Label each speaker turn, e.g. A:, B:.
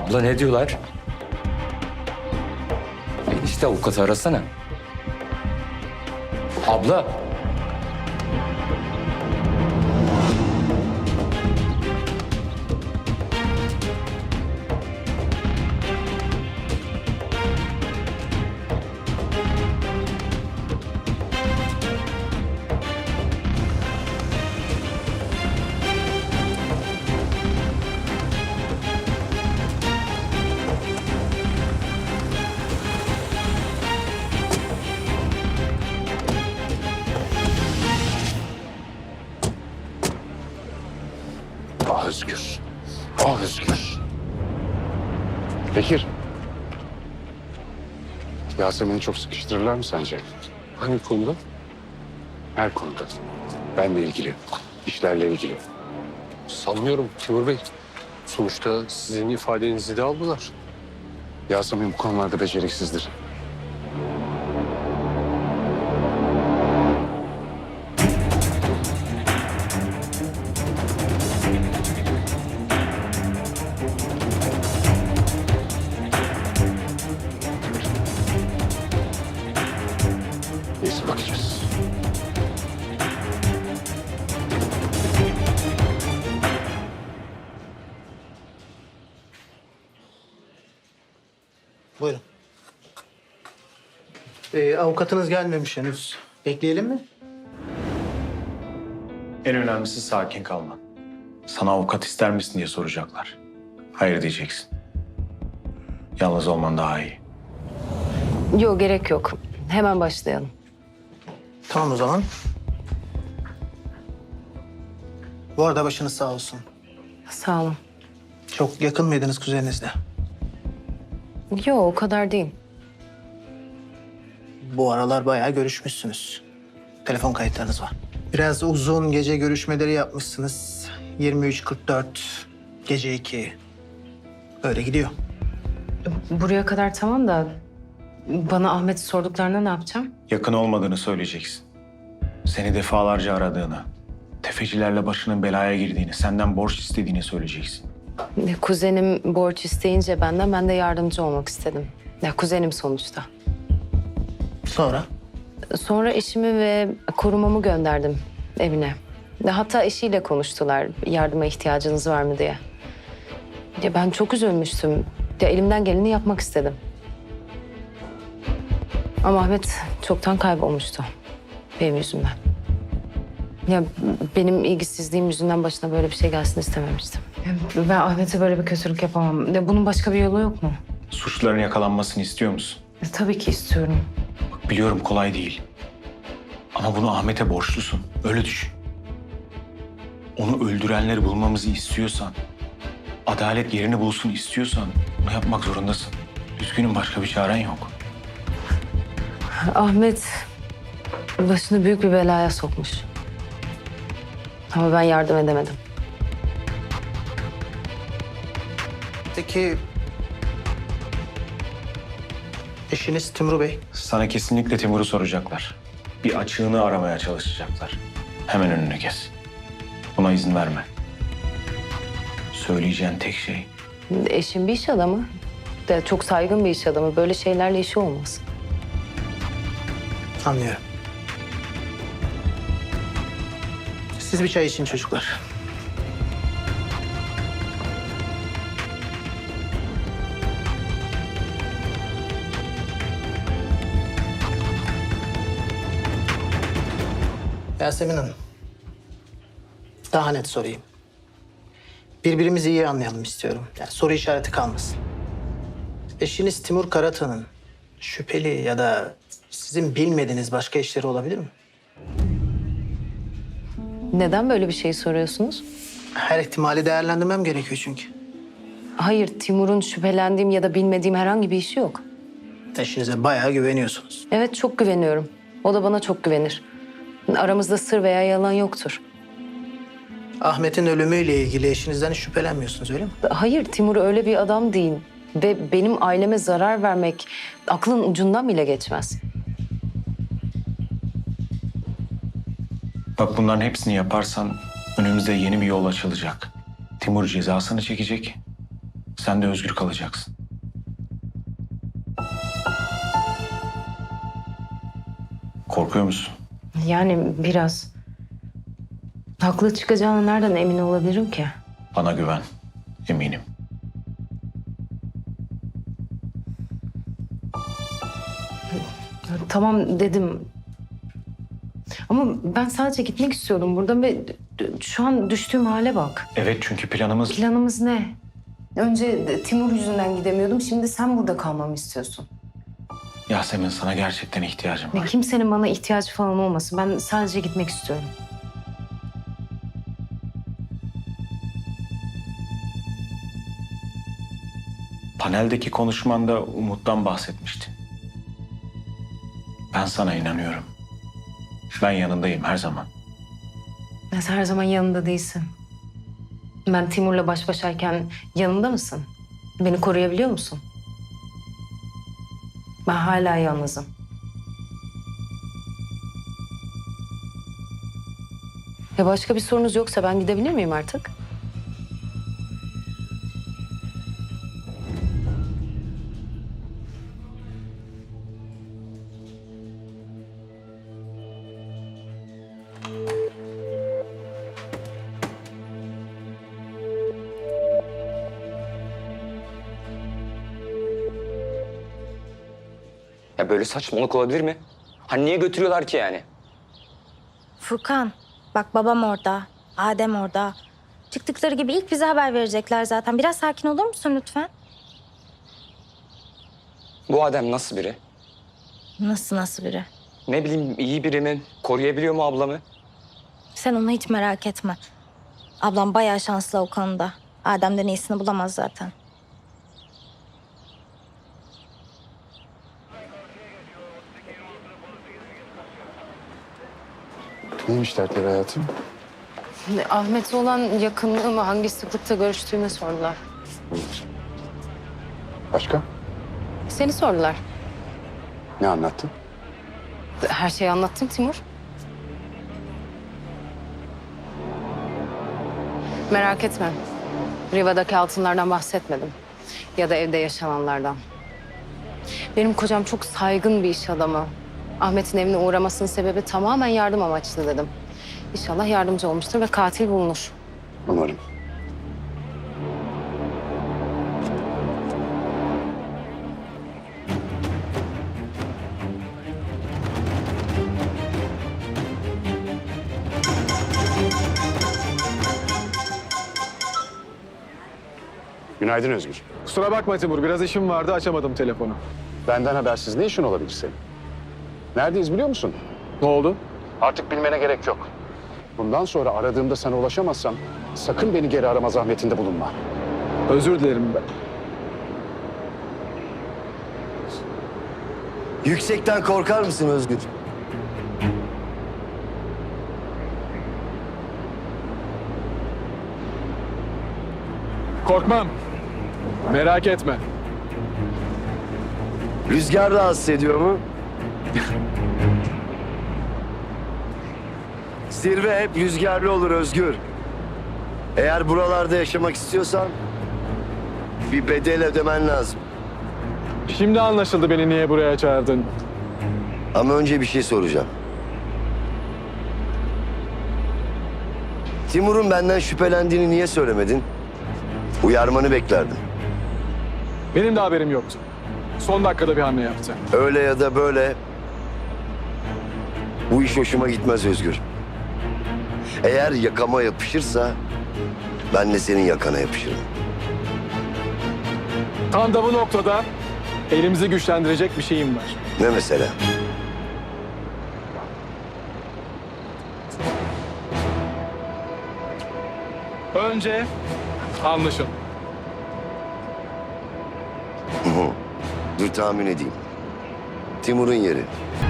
A: Abla ne diyorlar? İşte avukatı arasana. Abla.
B: Ah Özgür. Ah Özgür. Bekir. Yasemin'i çok sıkıştırırlar mı sence? Hangi konuda? Her konuda. Benle ilgili. İşlerle ilgili.
C: Sanmıyorum Timur Bey. Sonuçta sizin ifadenizi de aldılar.
B: Yasemin bu konularda beceriksizdir. Neyse bakacağız.
D: Buyurun. Avukatınız gelmemiş henüz. Bekleyelim mi?
E: En önemlisi sakin kalman. Sana avukat ister misin diye soracaklar. Hayır diyeceksin. Yalnız olman daha iyi.
F: Yok, gerek yok. Hemen başlayalım.
D: Tamam o zaman. Bu arada başınız sağ olsun.
F: Sağ olun.
D: Çok yakın mıydınız kuzeninizle?
F: Yok, o kadar değil.
D: Bu aralar bayağı görüşmüşsünüz. Telefon kayıtlarınız var. Biraz uzun gece görüşmeleri yapmışsınız. 23.44, gece 2. Öyle gidiyor.
F: Buraya kadar tamam da bana Ahmet'i sorduklarında ne yapacağım?
E: Yakın olmadığını söyleyeceksin. Seni defalarca aradığını, tefecilerle başının belaya girdiğini, senden borç istediğini söyleyeceksin.
F: Kuzenim borç isteyince ben de yardımcı olmak istedim. Ya kuzenim sonuçta.
D: Sonra?
F: Sonra eşimi ve korumamı gönderdim evine. Hatta eşiyle konuştular yardıma ihtiyacınız var mı diye. Ya ben çok üzülmüştüm. Ya elimden geleni yapmak istedim. Ama Ahmet çoktan kaybolmuştu benim yüzümden. Ya benim ilgisizliğim yüzünden başına böyle bir şey gelsin istememiştim. Ya ben Ahmet'e böyle bir kötülük yapamam. Ya bunun başka bir yolu yok mu?
E: Suçluların yakalanmasını istiyor musun?
F: Tabii ki istiyorum.
E: Bak biliyorum kolay değil. Ama bunu Ahmet'e borçlusun. Öyle düşün. Onu öldürenleri bulmamızı istiyorsan, adalet yerini bulsun istiyorsan bunu yapmak zorundasın. Üzgünüm, başka bir çaren yok.
F: Ahmet başını büyük bir belaya sokmuş. Ama ben yardım edemedim.
D: Peki eşiniz Timur Bey?
E: Sana kesinlikle Timur'u soracaklar. Bir açığını aramaya çalışacaklar. Hemen önünü kes. Buna izin verme. Söyleyeceğin tek şey
F: Eşim bir iş adamı. De çok saygın bir iş adamı. Böyle şeylerle işi olmaz.
D: Anlıyorum. Siz bir çay için çocuklar. Yasemin Hanım. Daha net sorayım. Birbirimizi iyi anlayalım istiyorum. Yani soru işareti kalmasın. Eşiniz Timur Karatan'ın şüpheli ya da sizin bilmediğiniz başka işleri olabilir mi?
F: Neden böyle bir şey soruyorsunuz?
D: Her ihtimali değerlendirmem gerekiyor çünkü.
F: Hayır, Timur'un şüphelendiğim ya da bilmediğim herhangi bir işi yok.
D: Eşinize bayağı güveniyorsunuz.
F: Evet, çok güveniyorum. O da bana çok güvenir. Aramızda sır veya yalan yoktur.
D: Ahmet'in ölümüyle ilgili eşinizden hiç şüphelenmiyorsunuz öyle mi?
F: Hayır, Timur öyle bir adam değil. Ve benim aileme zarar vermek aklın ucundan bile geçmez.
E: Bak bunların hepsini yaparsan önümüzde yeni bir yol açılacak. Timur cezasını çekecek. Sen de özgür kalacaksın. Korkuyor musun?
F: Yani biraz. Haklı çıkacağına nereden emin olabilirim ki?
E: Bana güven. Eminim.
F: Ya, tamam dedim. Ama ben sadece gitmek istiyordum buradan ve şu an düştüğüm hale bak.
E: Evet, çünkü planımız...
F: Planımız ne? Önce Timur yüzünden gidemiyordum. Şimdi sen burada kalmamı istiyorsun.
E: Yasemin, sana gerçekten ihtiyacım
F: Ve
E: var.
F: kimsenin bana ihtiyacı falan olmasın. Ben sadece gitmek istiyorum.
E: Paneldeki konuşmanda Umut'tan bahsetmiştin. Ben sana inanıyorum. Ben yanındayım her zaman.
F: Ya sen her zaman yanında değilsin. Ben Timur'la baş başayken yanında mısın? Beni koruyabiliyor musun? Ben hala yalnızım. Ya başka bir sorunuz yoksa ben gidebilir miyim artık?
A: Ya böyle saçmalık olabilir mi? Hani niye götürüyorlar ki yani?
G: Furkan, bak babam orada, Adem orada. Çıktıkları gibi ilk bize haber verecekler zaten. Biraz sakin olur musun lütfen?
A: Bu adam nasıl biri?
G: Nasıl biri?
A: Ne bileyim, iyi biri mi? Koruyabiliyor mu ablamı?
G: Sen onu hiç merak etme. Ablam bayağı şanslı o konuda. Adem'den iyisini bulamaz zaten.
B: Neymiş dertleri hayatım?
F: Ahmet'e olan yakınlığımı, hangi sıklıkta görüştüğümü sordular.
B: Başka?
F: Seni sordular.
B: Ne anlattın?
F: Her şeyi anlattım Timur. Merak etme. Riva'daki altınlardan bahsetmedim. Ya da evde yaşananlardan. Benim kocam çok saygın bir iş adamı. Ahmet'in evine uğramasının sebebi tamamen yardım amaçlı dedim. İnşallah yardımcı olmuştur ve katil bulunur.
B: Umarım. Günaydın Özgür.
C: Kusura bakma Timur, biraz işim vardı, açamadım telefonu.
B: Benden habersiz ne işin olabilir senin? Neredeyiz biliyor musun?
C: Ne oldu?
B: Artık bilmene gerek yok. Bundan sonra aradığımda sana ulaşamazsam sakın beni geri arama zahmetinde bulunma.
C: Özür dilerim ben.
H: Yüksekten korkar mısın Özgür?
C: Korkmam. Merak etme.
H: Rüzgar rahatsız ediyor mu? Zirve hep rüzgarlı olur Özgür. Eğer buralarda yaşamak istiyorsan bir bedel ödemen lazım.
C: Şimdi anlaşıldı beni niye buraya çağırdın.
H: Ama önce bir şey soracağım. Timur'un benden şüphelendiğini niye söylemedin? Uyarmanı beklerdim.
C: Benim de haberim yoktu. Son dakikada bir hamle yaptı.
H: Öyle ya da böyle bu iş hoşuma gitmez Özgür. Eğer yakama yapışırsa ben de senin yakana yapışırım.
C: Tam da bu noktada elimizi güçlendirecek bir şeyim var.
H: Ne mesela?
C: Önce anlaşın.
H: Dur tahmin edeyim. Timur'un yeri.